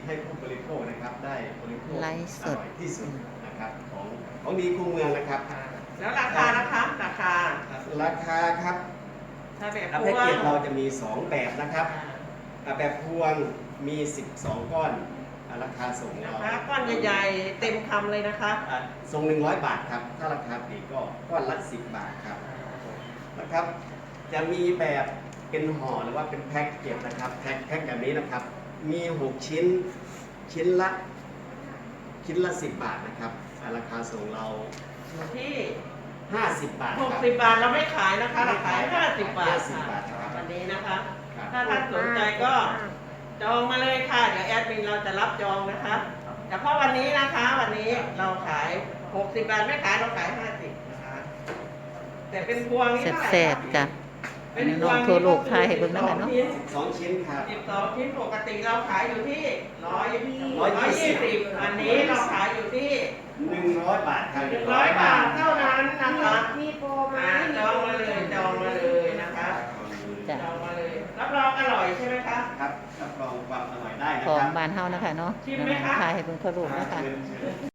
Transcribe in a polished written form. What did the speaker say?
ให้ผู้บริโภคนะครับได้บริโภคไลฟ์สอดร่อยที่สุดนะครับของดีคูเมืองนะครับแล้วราคานะคะราคาราคาครับถ้าแบบแพ็กเกจเราจะมี 2 แบบนะครับแบบพวงมี 12 ก้อนราคาส่งเราก้อนใหญ่ๆเต็มคำเลยนะคะส่ง100 บาทครับถ้าราคาปลีกก็ก้อนละ10 บาทครับนะครับจะมีแบบเป็นห่อหรือว่าเป็นแพ็กเกจนะครับแพ็กแบบนี้นะครับมี6ชิ้นชิ้นละ10 บาทนะครับราคาส่งเราอยู่ที่ 50 บาทครับ 60 บาทเราไม่ขายนะคะเราขาย50 บาท 50 บาทครับวันนี้นะคะครับถ้าท่านสนใจก็จองมาเลยค่ะเดี๋ยวแอดมินเราจะรับจองนะคะเฉพาะวันนี้นะคะวันนี้เราขาย60 บาทไม่ขายเราขาย50นะคะแต่เป็นพวงนี่เท่าไหร่แซ่บๆจ้ะเป็นพน้วอง งทั่วโลกทายให้เบิ่งนำกันเนาะ 12 ชิ้นครับ 12 ชิ้นปกติเราขายอยู่ที่ 120 120อันนี้เราขายอยู่ที่ 100 บาทครับ 100 บาทเท่านั้นนะคะมีโปรไหมจองมาเลยนะคะจ้ะจองมาเลยรับรองอร่อยใช่ไหมคะครับรับรองความอร่อยได้นะของครับบ้านเฮานะคะเนาะชิมไหมคะทายให้เบิ่งทั่วโลกนะคะเชิญ